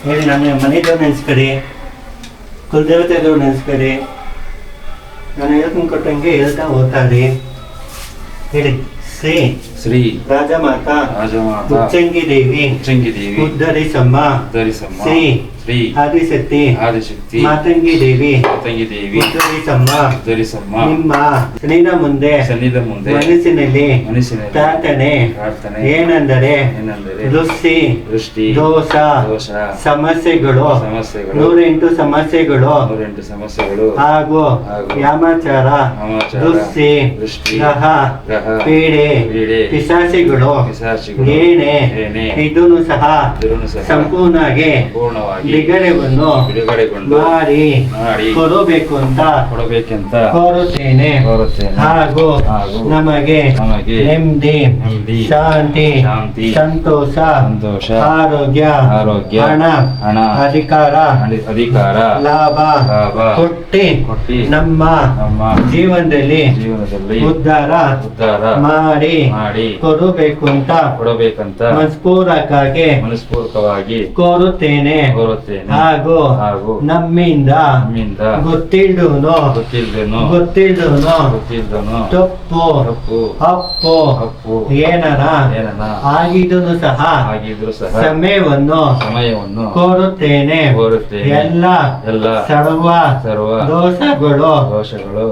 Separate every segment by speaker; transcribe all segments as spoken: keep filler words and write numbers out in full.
Speaker 1: ಹೇಳಿ. ನನ್ನ ಮನೆದೇವ್ರು ನೆನೆಸ್ಕರಿ, ಕುಲದೇವತೆದವ್ರು ನೆನೆಸ್ಕರಿ. ನಾನು ಹೇಳ್ಕೊಂಡು ಕೊಟ್ಟಂಗೆ ಹೇಳ್ತಾ ಹೋಗ್ತಾರಿ. ಹೇಳಿ. ಶ್ರೀ
Speaker 2: ಶ್ರೀ
Speaker 1: ರಾಜಮಾತಾ
Speaker 2: ರಾಜಮಾತಾ
Speaker 1: ಉಚ್ಚಂಗಿ ದೇವಿ
Speaker 2: ಉಚ್ಚಂಗಿ ದೇವಿ
Speaker 1: ಉದ್ಧರಿಸಮ್ಮ
Speaker 2: ಉದ್ಧರಿಸಮ್ಮ
Speaker 1: ಶ್ರೀ
Speaker 2: ಶ್ರೀ
Speaker 1: ಆದಿಶಕ್ತಿ
Speaker 2: ಆದಿಶಕ್ತಿ
Speaker 1: ಮಾತಂಗಿ ದೇವಿ
Speaker 2: ಮಾತಂಗಿ ದೇವಿ
Speaker 1: ಉದ್ಧರಿಸಮ್ಮ
Speaker 2: ಉದ್ಧರಿಸಮ್ಮ
Speaker 1: ನಿಮ್ಮ ಸನ್ನಿಧ ಮುಂದೆ
Speaker 2: ಸನ್ನಿಧ ಮುಂದೆ
Speaker 1: ಮನಸ್ಸಿನಲ್ಲಿ
Speaker 2: ಮನಸ್ಸಿನಲ್ಲಿ
Speaker 1: ಪ್ರಾರ್ಥನೆ
Speaker 2: ಪ್ರಾರ್ಥನೆ
Speaker 1: ಏನೆಂದರೆ
Speaker 2: ಏನೆಂದರೆ
Speaker 1: ದೃಷ್ಟಿ
Speaker 2: ದೃಷ್ಟಿ
Speaker 1: ದೋಷ
Speaker 2: ದೋಷ
Speaker 1: ಸಮಸ್ಯೆಗಳು
Speaker 2: ಸಮಸ್ಯೆಗಳು
Speaker 1: ನೂರೆಂಟು ಸಮಸ್ಯೆಗಳು
Speaker 2: ನೂರೆಂಟು ಸಮಸ್ಯೆಗಳು
Speaker 1: ಹಾಗೂ
Speaker 2: ಹಾಗೂ
Speaker 1: ಯಾಮಾಚಾರ
Speaker 2: ವಾಮಾಚಾರ,
Speaker 1: ದೃಷ್ಟಿ
Speaker 2: ದೃಷ್ಟಿ,
Speaker 1: ಗ್ರಹ
Speaker 2: ಗ್ರಹ,
Speaker 1: ಪೀಡೆ
Speaker 2: ಪೀಡೆ,
Speaker 1: ಪಿಶಾಚಿಗಳು
Speaker 2: ಪಿಶಾಚಿಗಳು,
Speaker 1: ಏನೇ
Speaker 2: ಏನೇ
Speaker 1: ಇದನ್ನು ಸಹ
Speaker 2: ಇದನ್ನು ಸಹ
Speaker 1: ಸಂಪೂರ್ಣವಾಗಿ
Speaker 2: ಪೂರ್ಣವಾಗಿ
Speaker 1: ಬಿಡುಗಡೆಯನ್ನು
Speaker 2: ಬಿಡುಗಡೆಗೊಂಡು
Speaker 1: ಮಾಡಿ
Speaker 2: ಮಾಡಿ
Speaker 1: ಕೊಡಬೇಕು ಅಂತ
Speaker 2: ಕೊಡಬೇಕೆಂತ
Speaker 1: ಕೋರುತ್ತೇನೆ.
Speaker 2: ಕೋರುತ್ತೇನೆ.
Speaker 1: ಹಾಗೂ
Speaker 2: ಹಾಗೂ
Speaker 1: ನಮಗೆ
Speaker 2: ನಮಗೆ
Speaker 1: ನೆಮ್ಮದಿ
Speaker 2: ನೆಮ್ಮದಿ,
Speaker 1: ಶಾಂತಿ
Speaker 2: ಶಾಂತಿ,
Speaker 1: ಸಂತೋಷ
Speaker 2: ಸಂತೋಷ,
Speaker 1: ಆರೋಗ್ಯ
Speaker 2: ಆರೋಗ್ಯ,
Speaker 1: ಹಣ
Speaker 2: ಹಣ,
Speaker 1: ಅಧಿಕಾರ
Speaker 2: ಅಧಿ- ಅಧಿಕಾರ,
Speaker 1: ಲಾಭ
Speaker 2: ಲಾಭ
Speaker 1: ಕೊಟ್ಟಿ
Speaker 2: ಕೊಟ್ಟಿ
Speaker 1: ನಮ್ಮ
Speaker 2: ನಮ್ಮ
Speaker 1: ಜೀವನದಲ್ಲಿ
Speaker 2: ಜೀವನದಲ್ಲಿ
Speaker 1: ಉದ್ಧಾರ
Speaker 2: ಉದ್ಧಾರ
Speaker 1: ಮಾಡಿ
Speaker 2: ಮಾಡಿ
Speaker 1: ಕೊಡಬೇಕು ಅಂತ
Speaker 2: ಕೊಡಬೇಕಂತ
Speaker 1: ಮನಸ್ಪೂರ್ವಕವಾಗಿ
Speaker 2: ಮನಸ್ಪೂರ್ವಕವಾಗಿ
Speaker 1: ಕೋರುತ್ತೇನೆ.
Speaker 2: ಕೋರುತ್ತೇನೆ.
Speaker 1: ಹಾಗೂ
Speaker 2: ಹಾಗೂ
Speaker 1: ನಮ್ಮಿಂದ
Speaker 2: ನಮ್ಮಿಂದ
Speaker 1: ಗೊತ್ತಿಲ್ದೂನು
Speaker 2: ಗೊತ್ತಿಲ್ದೇನು
Speaker 1: ಗೊತ್ತಿಲ್ದೂನು
Speaker 2: ಗೊತ್ತಿಲ್ದನು
Speaker 1: ತಪ್ಪು
Speaker 2: ತಪ್ಪು
Speaker 1: ಅಪ್ಪು
Speaker 2: ತಪ್ಪು
Speaker 1: ಏನನ
Speaker 2: ಏನನ
Speaker 1: ಆಗಿದನು ಸಹ
Speaker 2: ಆಗಿದ್ರು ಸಹ
Speaker 1: ಸಮಯವನ್ನು
Speaker 2: ಸಮಯವನ್ನು
Speaker 1: ಕೋರುತ್ತೇನೆ.
Speaker 2: ಕೋರುತ್ತೇನೆ.
Speaker 1: ಎಲ್ಲ
Speaker 2: ಎಲ್ಲ
Speaker 1: ಸರ್ವ
Speaker 2: ಸರ್ವ
Speaker 1: ದೋಷಗಳು
Speaker 2: ದೋಷಗಳು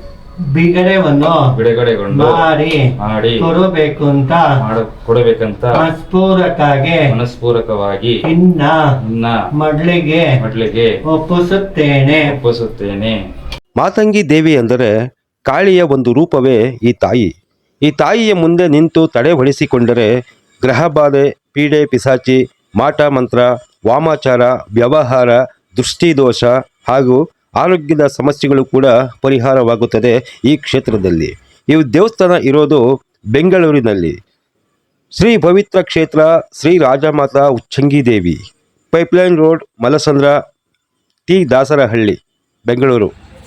Speaker 1: ಬಿಡುಗಡೆವನ್ನು
Speaker 2: ಬಿಡುಗಡೆಗೊಂಡು
Speaker 1: ಮಾಡಿ
Speaker 2: ಮಾಡಿ
Speaker 1: ಕೊಡಬೇಕು ಅಂತ
Speaker 2: ಮಾಡ ಕೊಡಬೇಕಂತ
Speaker 1: ಮನಸ್ಪೂರ್ವಕವಾಗಿ
Speaker 2: ಮನಸ್ಪೂರ್ವಕವಾಗಿ
Speaker 1: ಇನ್ನ
Speaker 2: ಇನ್ನ
Speaker 1: ಮಡ್ಲಿಗೆ
Speaker 2: ಮಡ್ಲಿಗೆ
Speaker 1: ಒಪ್ಪಿಸುತ್ತೇನೆ.
Speaker 2: ಒಪ್ಪಿಸುತ್ತೇನೆ.
Speaker 3: ಮಾತಂಗಿ ದೇವಿ ಅಂದರೆ ಕಾಳಿಯ ಒಂದು ರೂಪವೇ ಈ ತಾಯಿ. ಈ ತಾಯಿಯ ಮುಂದೆ ನಿಂತು ತಡೆ ಹೊಡೆಸಿಕೊಂಡರೆ ಗ್ರಹಬಾಧೆ, ಪೀಡೆ, ಪಿಸಾಚಿ, ಮಾಟ ಮಂತ್ರ, ವಾಮಾಚಾರ, ವ್ಯವಹಾರ, ದೃಷ್ಟಿದೋಷ ಹಾಗೂ ಆರೋಗ್ಯದ ಸಮಸ್ಯೆಗಳು ಕೂಡ ಪರಿಹಾರವಾಗುತ್ತದೆ ಈ ಕ್ಷೇತ್ರದಲ್ಲಿ. ಈ ದೇವಸ್ಥಾನ ಇರೋದು ಬೆಂಗಳೂರಿನಲ್ಲಿ. ಶ್ರೀ ಪವಿತ್ರ ಕ್ಷೇತ್ರ Shri Rajamata Uchchangi Devi, pipeline road, Malasandra, T Dasarahalli, Bengaluru.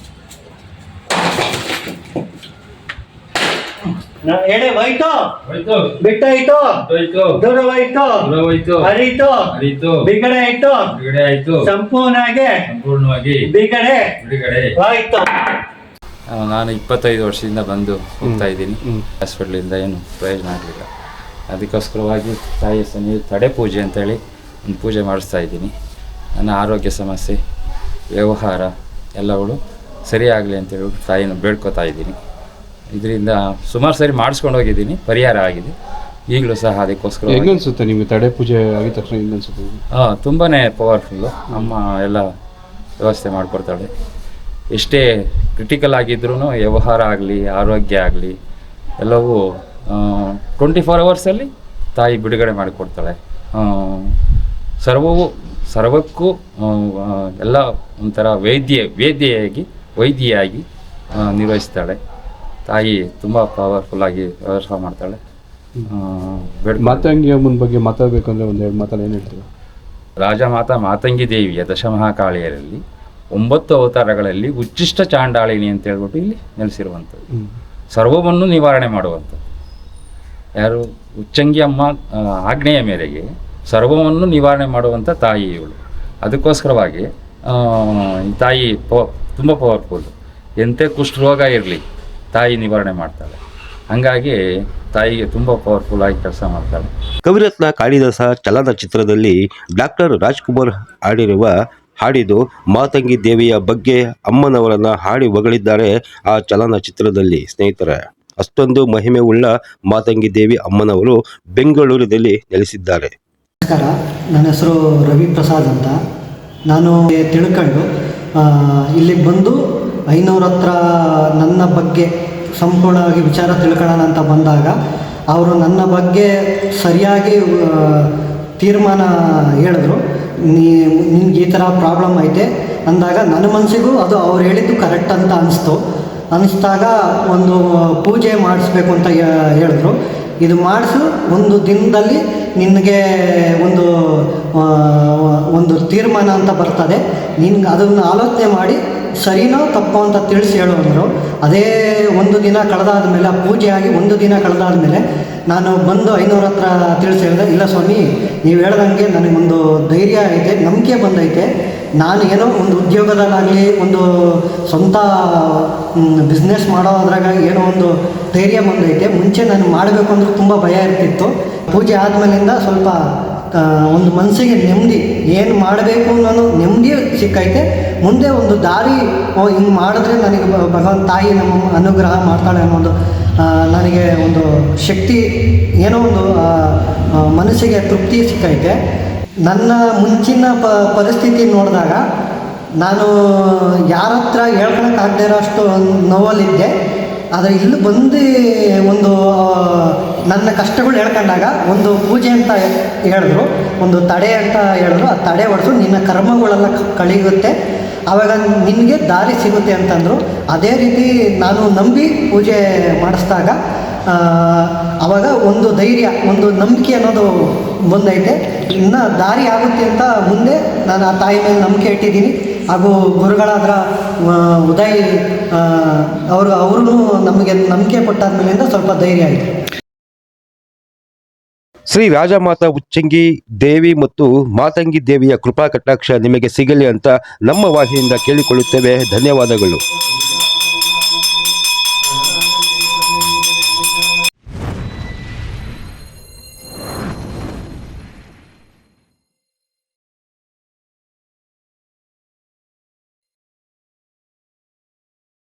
Speaker 1: ಎಡೆ ಹೋಯ್ತು,
Speaker 2: ಹೋಯ್ತು,
Speaker 1: ಬಿಟ್ಟಾಯ್ತು,
Speaker 2: ಹೋಯ್ತು,
Speaker 1: ದೂರವಾಯ್ತು,
Speaker 2: ದೂರವಾಯ್ತು,
Speaker 1: ಹರಿತು,
Speaker 2: ಹರಿತು,
Speaker 1: ಬಿಗಡೆ ಆಯ್ತು,
Speaker 2: ಬಿಡುಗಡೆ ಆಯ್ತು,
Speaker 1: ಸಂಪೂರ್ಣವಾಗಿ
Speaker 2: ಸಂಪೂರ್ಣವಾಗಿ
Speaker 1: ಬಿಗಡೆ
Speaker 2: ಬಿಡುಗಡೆ
Speaker 1: ಆಯ್ತು.
Speaker 2: ನಾನು ಇಪ್ಪತ್ತೈದು ವರ್ಷದಿಂದ ಬಂದು ಹೋಗ್ತಾ ಇದ್ದೀನಿ. ಹಾಸ್ಪಿಟ್ಲಿಂದ ಏನು ಪ್ರಯೋಜನ ಆಗಲಿಲ್ಲ. ಅದಕ್ಕೋಸ್ಕರವಾಗಿ ತಾಯಿ ಸನ್ನಿಧಿ ತಡೆ ಪೂಜೆ ಅಂತೇಳಿ ಒಂದು ಪೂಜೆ ಮಾಡಿಸ್ತಾ ಇದ್ದೀನಿ. ನನ್ನ ಆರೋಗ್ಯ ಸಮಸ್ಯೆ, ವ್ಯವಹಾರ ಎಲ್ಲಗಳು ಸರಿಯಾಗಲಿ ಅಂತೇಳಿ ತಾಯಿನ ಬೇಡ್ಕೊತಾ ಇದ್ದೀನಿ. ಇದರಿಂದ ಸುಮಾರು ಸರಿ ಮಾಡಿಸ್ಕೊಂಡು ಹೋಗಿದ್ದೀನಿ, ಪರಿಹಾರ ಆಗಿದೆ. ಈಗಲೂ ಸಹ ಅದಕ್ಕೋಸ್ಕರ
Speaker 4: ಹೆಂಗೆ ಅನಿಸುತ್ತೆ ನಿಮಗೆ ತಡೆ ಪೂಜೆ ಆಗಿದ ತಕ್ಷಣ ಹೆಂಗೆ ಅನಿಸುತ್ತೆ?
Speaker 2: ಹಾಂ, ತುಂಬಾ ಪವರ್ಫುಲ್ಲು. ಅಮ್ಮ ಎಲ್ಲ ವ್ಯವಸ್ಥೆ ಮಾಡಿಕೊಡ್ತಾಳೆ. ಎಷ್ಟೇ ಕ್ರಿಟಿಕಲ್ ಆಗಿದ್ರೂ ವ್ಯವಹಾರ ಆಗಲಿ, ಆರೋಗ್ಯ ಆಗಲಿ ಎಲ್ಲವೂ ಟ್ವೆಂಟಿ ಫೋರ್ ಅವರ್ಸಲ್ಲಿ ತಾಯಿ ಬಿಡುಗಡೆ ಮಾಡಿಕೊಡ್ತಾಳೆ. ಸರ್ವವು ಸರ್ವಕ್ಕೂ ಎಲ್ಲ ಒಂಥರ ವೈದ್ಯ ವೇದ್ಯೆಯಾಗಿ ವೈದ್ಯೆಯಾಗಿ ನಿರ್ವಹಿಸ್ತಾಳೆ. ತಾಯಿ ತುಂಬ ಪವರ್ಫುಲ್ಲಾಗಿ ವ್ಯವಸ್ಥೆ ಮಾಡ್ತಾಳೆ.
Speaker 4: ಮಾತಂಗಿ ಅಮ್ಮನ ಬಗ್ಗೆ ಮಾತಾಡಬೇಕು ಅಂದರೆ ಒಂದು ಎರಡು ಮಾತಲ್ಲಿ ಏನು ಹೇಳ್ತೀರಾ?
Speaker 2: ರಾಜಮಾತಾ ಮಾತಂಗಿ ದೇವಿಯ ದಶಮಹಾಕಾಳಿಯರಲ್ಲಿ ಒಂಬತ್ತು ಅವತಾರಗಳಲ್ಲಿ ಉಚ್ಚಿಷ್ಟ ಚಾಂಡಾಳಿನಿ ಅಂತ ಹೇಳ್ಬಿಟ್ಟು ಇಲ್ಲಿ ನೆಲೆಸಿರುವಂಥದ್ದು. ಸರ್ವವನ್ನು ನಿವಾರಣೆ ಮಾಡುವಂಥದ್ದು ಯಾರು? ಉಚ್ಚಂಗಿ ಅಮ್ಮ ಆಜ್ಞೆಯ ಮೇರೆಗೆ ಸರ್ವವನ್ನು ನಿವಾರಣೆ ಮಾಡುವಂಥ ತಾಯಿ ಇವಳು. ಅದಕ್ಕೋಸ್ಕರವಾಗಿ ಈ ತಾಯಿ ಪ ತುಂಬ ಪವರ್ಫುಲ್. ಎಂಥ ಕುಷ್ಠರೋಗ ಇರಲಿ ತಾಯಿ ನಿವಾರಣೆ ಮಾಡ್ತಾಳೆ. ಹಾಗಾಗಿ ತಾಯಿಗೆ ತುಂಬ ಪವರ್ಫುಲ್ ಆಗಿ ಕೆಲಸ ಮಾಡ್ತಾಳೆ.
Speaker 3: ಕವಿರತ್ನ ಕಾಳಿದಾಸ ಚಲನಚಿತ್ರದಲ್ಲಿ ಡಾಕ್ಟರ್ ರಾಜ್ಕುಮಾರ್ ಹಾಡಿರುವ ಹಾಡಿದು ಮಾತಂಗಿ ದೇವಿಯ ಬಗ್ಗೆ ಅಮ್ಮನವರನ್ನು ಹಾಡಿ ಹೊಗಳಿದ್ದಾರೆ ಆ ಚಲನಚಿತ್ರದಲ್ಲಿ. ಸ್ನೇಹಿತರೆ, ಅಷ್ಟೊಂದು ಮಹಿಮೆ ಉಳ್ಳ ಮಾತಂಗಿ ದೇವಿ ಅಮ್ಮನವರು ಬೆಂಗಳೂರಿನಲ್ಲಿ ನೆಲೆಸಿದ್ದಾರೆ.
Speaker 5: ನಮಸ್ಕಾರ, ನನ್ನ ಹೆಸರು ರವಿ ಪ್ರಸಾದ್ ಅಂತ. ನಾನು ತಿಳ್ಕೊಂಡು ಇಲ್ಲಿಗೆ ಬಂದು ಐನೂರ ಹತ್ರ ನನ್ನ ಬಗ್ಗೆ ಸಂಪೂರ್ಣವಾಗಿ ವಿಚಾರ ತಿಳ್ಕೊಳ್ಳೋಣ ಅಂತ ಬಂದಾಗ ಅವರು ನನ್ನ ಬಗ್ಗೆ ಸರಿಯಾಗಿ ತೀರ್ಮಾನ ಹೇಳಿದ್ರು. ನೀ ನಿನ್ಗೆ ಈ ಥರ ಪ್ರಾಬ್ಲಮ್ ಐತೆ ಅಂದಾಗ ನನ್ನ ಮನಸ್ಸಿಗೂ ಅದು ಅವ್ರು ಹೇಳಿದ್ದು ಕರೆಕ್ಟ್ ಅಂತ ಅನಿಸ್ತು. ಅನ್ನಿಸ್ದಾಗ ಒಂದು ಪೂಜೆ ಮಾಡಿಸ್ಬೇಕು ಅಂತ ಹೇಳಿದ್ರು. ಇದು ಮಾಡಿಸು, ಒಂದು ದಿನದಲ್ಲಿ ನಿನಗೆ ಒಂದು ಒಂದು ತೀರ್ಮಾನ ಅಂತ ಬರ್ತದೆ, ನಿನ್ಗೆ ಅದನ್ನು ಆಲೋಚನೆ ಮಾಡಿ ಸರಿನೋ ತಪ್ಪೋ ಅಂತ ತಿಳಿಸಿ ಹೇಳೋದ್ರು. ಅದೇ ಒಂದು ದಿನ ಕಳೆದಾದ ಮೇಲೆ, ಆ ಪೂಜೆ ಆಗಿ ಒಂದು ದಿನ ಕಳೆದಾದ ಮೇಲೆ ನಾನು ಬಂದು ಐನೂರ ಹತ್ರ ತಿಳಿಸಿ ಹೇಳಿದೆ, ಇಲ್ಲ ಸ್ವಾಮಿ ನೀವು ಹೇಳ್ದಂಗೆ ನನಗೊಂದು ಧೈರ್ಯ ಐತೆ, ನಂಬಿಕೆ ಬಂದೈತೆ. ನಾನು ಏನೋ ಒಂದು ಉದ್ಯೋಗದಲ್ಲಾಗಲಿ ಒಂದು ಸ್ವಂತ ಬಿಸ್ನೆಸ್ ಮಾಡೋದ್ರಾಗ ಏನೋ ಒಂದು ಧೈರ್ಯ ಬಂದೈತೆ. ಮುಂಚೆ ನಾನು ಮಾಡಬೇಕು ಅಂದ್ರೆ ತುಂಬ ಭಯ ಇರ್ತಿತ್ತು. ಪೂಜೆ ಆದಮೇಲಿಂದ ಸ್ವಲ್ಪ ಒಂದು ಮನಸ್ಸಿಗೆ ನೆಮ್ಮದಿ, ಏನು ಮಾಡಬೇಕು ಅನ್ನೋ ನೆಮ್ಮದಿ ಸಿಕ್ಕೈತೆ. ಮುಂದೆ ಒಂದು ದಾರಿ, ಓ ಹಿಂಗೆ ಮಾಡಿದ್ರೆ ನನಗೆ ಭಗವಂತ ತಾಯಿ ನಮ್ಮ ಅನುಗ್ರಹ ಮಾಡ್ತಾಳೆ ಅನ್ನೋದು ನನಗೆ ಒಂದು ಶಕ್ತಿ, ಏನೋ ಒಂದು ಮನಸ್ಸಿಗೆ ತೃಪ್ತಿ ಸಿಕ್ಕೈತೆ. ನನ್ನ ಮುಂಚಿನ ಪ ಪರಿಸ್ಥಿತಿ ನೋಡಿದಾಗ ನಾನು ಯಾರ ಹತ್ರ ಹೇಳ್ಕೊಳಕ್ಕಾಗದೇ ಇರೋ ಅಷ್ಟು ನೋವಲ್ಲಿದ್ದೆ. ಆದರೆ ಇಲ್ಲಿ ಬಂದು ಒಂದು ನನ್ನ ಕಷ್ಟಗಳು ಹೇಳ್ಕೊಂಡಾಗ ಒಂದು ಪೂಜೆ ಅಂತ ಹೇಳಿದ್ರು, ಒಂದು ತಡೆ ಅಂತ ಹೇಳಿದ್ರು. ಆ ತಡೆ ಹೊಡೆದು ನಿನ್ನ ಕರ್ಮಗಳೆಲ್ಲ ಕಳೆಯುತ್ತೆ, ಆವಾಗ ನಿನಗೆ ದಾರಿ ಸಿಗುತ್ತೆ ಅಂತಂದರು. ಅದೇ ರೀತಿ ನಾನು ನಂಬಿ ಪೂಜೆ ಮಾಡಿಸಿದಾಗ ಆವಾಗ ಒಂದು ಧೈರ್ಯ, ಒಂದು ನಂಬಿಕೆ ಅನ್ನೋದು ಬಂದೈತೆ. ಇನ್ನು ದಾರಿ ಆಗುತ್ತೆ ಅಂತ ಮುಂದೆ ನಾನು ಆ ತಾಯಿ ಮೇಲೆ ನಂಬಿಕೆ ಇಟ್ಟಿದ್ದೀನಿ. ಹಾಗೂ ಗುರುಗಳಾದ್ರ ಉದಯ್ ಅವರು ಅವರು ನಮಗೆ ನಂಬಿಕೆ ಕೊಟ್ಟಾದ್ಮೇಲಿಂದ ಸ್ವಲ್ಪ ಧೈರ್ಯ ಆಯಿತು.
Speaker 3: ಶ್ರೀ ರಾಜಮಾತಾ ಉಚ್ಚಂಗಿ ದೇವಿ ಮತ್ತು ಮಾತಂಗಿ ದೇವಿಯ ಕೃಪಾ ಕಟಾಕ್ಷ ನಿಮಗೆ ಸಿಗಲಿ ಅಂತ ನಮ್ಮ ವಾಹಿನಿಯಿಂದ ಕೇಳಿಕೊಳ್ಳುತ್ತೇವೆ. ಧನ್ಯವಾದಗಳು.